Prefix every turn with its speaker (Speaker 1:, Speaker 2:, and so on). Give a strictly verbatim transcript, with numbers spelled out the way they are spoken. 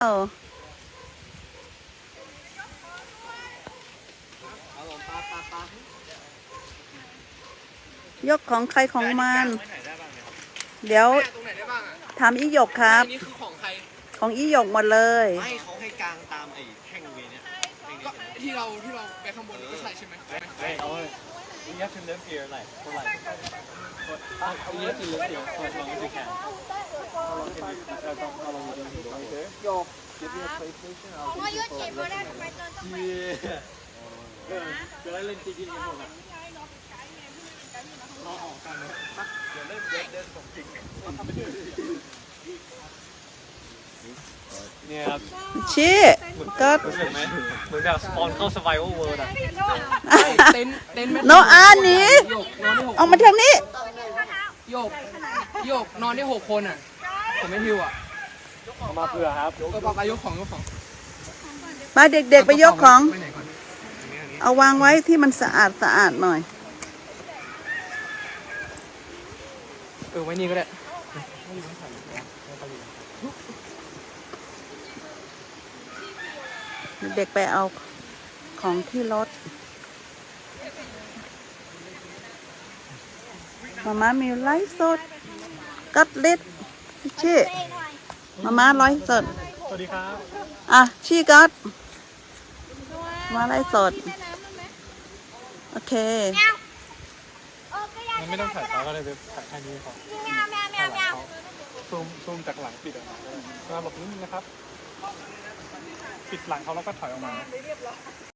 Speaker 1: เออยกของใครของมัน เดี๋ยวถามอีหยกครับ
Speaker 2: นี่คือของใคร
Speaker 1: ของอีหยกหมดเลย
Speaker 3: ไม่เขาให้กลางตามไอ้แท่งเวเนี่ย
Speaker 2: ก็ที่เราที่เราไปข้างบนก็ใช่ใช่ไหม
Speaker 3: ไม่เอาเลย you have to live here like for like for you have to live here for as long as you can how long can you how long you going to live here โยก give me a PlayStation I'll give you for yeah จะได้เล่นจริงๆกันหมดอ่ะรอออกกันเลยเดี๋ยวเล่นเล่นเล่นของจริงเนี่ยครับ
Speaker 1: ชี้ก็
Speaker 3: รู้สึกไหมเหมือนแบบสปอนเข้า survival world อ่ะ
Speaker 2: เต็นเต็น
Speaker 1: โนอาหนีออกมาทางนี้
Speaker 2: โยกโยกนอนได้หกคนอ่ะผมไม่หิวอ่ะ
Speaker 3: เอามาเผื่อครับ
Speaker 2: ก็บอกอายุของยกของ
Speaker 1: มาเด็กๆไปยกของเอาวางไว้ที่มันสะอาดสะอาดหน่อย
Speaker 2: เออไว้นี่ก็ได้
Speaker 1: เด็กไปเอาของที่รถมาม่ามีไลฟ์สดกัดเล็ดชี้มาม่าไลฟ์สด
Speaker 3: สวัสดีครับ
Speaker 1: อ่ะชี้กัดมาไลฟ์สดโอเค
Speaker 3: มันไม่ต้องถ่ายเขาก็ได้ถ่ายแค่นี้พอซูมซูมจากหลังปิดออกมาก็ได้มาบอกนิดนึงนะครับปิดหลังเขาแล้วก็ถอยออกมา